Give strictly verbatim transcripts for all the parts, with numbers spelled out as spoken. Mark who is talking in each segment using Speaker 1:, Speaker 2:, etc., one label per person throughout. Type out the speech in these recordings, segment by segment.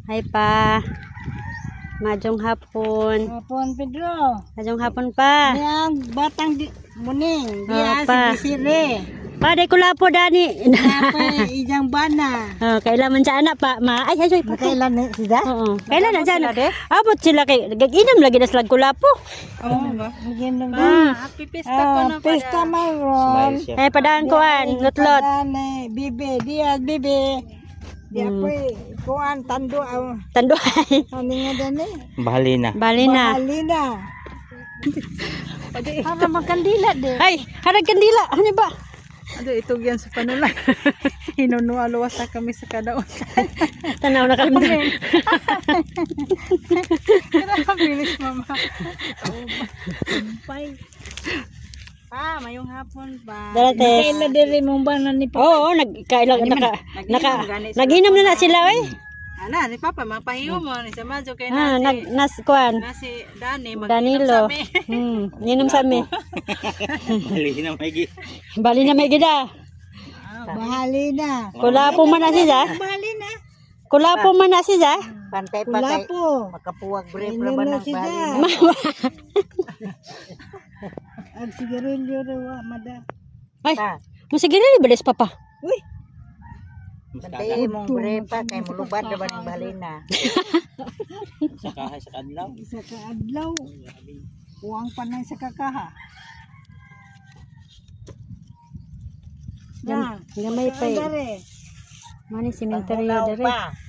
Speaker 1: Hi pa. Majong hapon.
Speaker 2: Hapon, Pedro.
Speaker 1: Majong hapon pa.
Speaker 2: Yang batang di muning.
Speaker 1: Oh,
Speaker 2: Dia
Speaker 1: pa.
Speaker 2: si bisire.
Speaker 1: Pa, day ko lapo dani.
Speaker 2: Apa ijang bana.
Speaker 1: Oh, kailan man sa anak pa. Ma, ay, ay, ay, pa.
Speaker 2: Kailan ni sida?
Speaker 1: Oo. Kailan na dyan? Abot sila kay, gag-inam lagi na sila kulapo.
Speaker 2: Oo ba? Ginom
Speaker 1: Ah,
Speaker 2: happy pista ko na pa. Pista mayroon.
Speaker 1: ay, padaan ko an, lutlot.
Speaker 2: Padane, bibe, dia bibe. Dia
Speaker 1: Hmm.
Speaker 2: po kuan tando ang
Speaker 1: Tanduay.
Speaker 2: ano nga dani?
Speaker 3: Bahalina.
Speaker 1: Bali na.
Speaker 2: Bahalina. Para magkandila de.
Speaker 1: Ay, harag kandila. Ano ba?
Speaker 2: Ado itog yan sa panula. Hinunualuwas na kami sa kadaon.
Speaker 1: Tanaw na kalimdan.
Speaker 2: Bilis mama. Bye. Pa, mayong hapon pa.
Speaker 1: Darates.
Speaker 2: Kaila diri mong bana ni Papa.
Speaker 1: Oo, nagkailang naka naka naginom na na sila oy.
Speaker 2: Ana, ni Papa mapahiyo mo ni sa madyo kay
Speaker 1: Ah,
Speaker 2: na
Speaker 1: nag nas kuan.
Speaker 2: si Dani mag
Speaker 1: Danilo. Hmm, ninom sa mi.
Speaker 3: Bahalina may gi.
Speaker 1: Bali na may gida.
Speaker 2: Bahali na.
Speaker 1: Kulapo man na siya.
Speaker 2: Bahali na.
Speaker 1: Kulapo man na siya.
Speaker 2: Pantay patay. Kulapo. Makapuwag brief ra ba ng bahali na. Ang sigarilyo rawa mada.
Speaker 1: Ay, mo sige rin balis papa.
Speaker 2: Uy.
Speaker 3: Pantay
Speaker 2: mong brepa kay mulubad ra ba ng balina.
Speaker 3: Sa kahay sa kadlaw.
Speaker 2: Sa kaadlaw. Uwang panay sa kakaha.
Speaker 1: Gam gamay pa. eh. Mani sementeryo dere.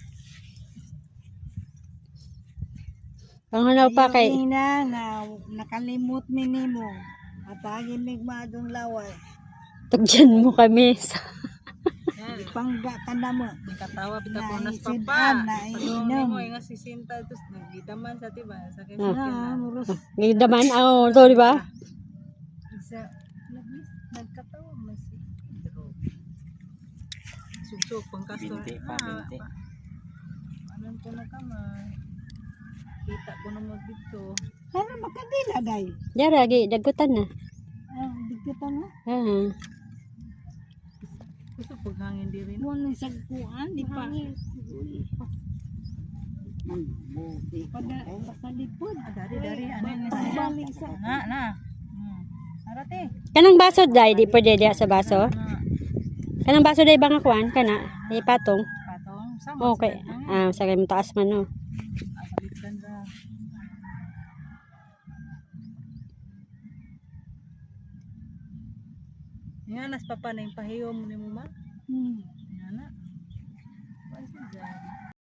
Speaker 1: Panghanaw pa kay.
Speaker 2: Ina na nakalimot mi nimo. Atagi mig madong laway.
Speaker 1: Tugyan mo kami sa
Speaker 2: Pangga ka na mo.
Speaker 4: Katawa bita ko nas
Speaker 2: Naisidan,
Speaker 4: papa.
Speaker 2: naiinom.
Speaker 4: Mo nga sisinta tus nagidaman sa tiba sa kay
Speaker 2: Ah, muros.
Speaker 1: gidaman oh, to di ba?
Speaker 2: Isa. Labis. Nagkatawa mo si Pedro.
Speaker 4: sugsog pang kastor.
Speaker 3: Binti pa, binti.
Speaker 4: Anon ko na kamay. Kita ko na mo dito.
Speaker 2: Ano makadila day?
Speaker 1: Dara gi dagutan na.
Speaker 2: Ah, digita na.
Speaker 1: Ah.
Speaker 4: Gusto paghangin di rin.
Speaker 2: Mo ni sagkuan di pa. Pada sa lipod.
Speaker 4: Dari dari ano ni
Speaker 2: Balik sa
Speaker 4: na na. Hmm. Arate.
Speaker 1: Kanang baso dai di pwede diha sa baso.
Speaker 4: Na
Speaker 1: Kanang baso dai bang kuan kana? Di patong.
Speaker 4: patong sama.
Speaker 1: Okay. Ah, sa kay taas man no.
Speaker 4: Asalitan ra. Nga nas papa na yung pahiyo mo ni mo ma.
Speaker 2: Hmm.
Speaker 4: Nga na. Pwede dyan.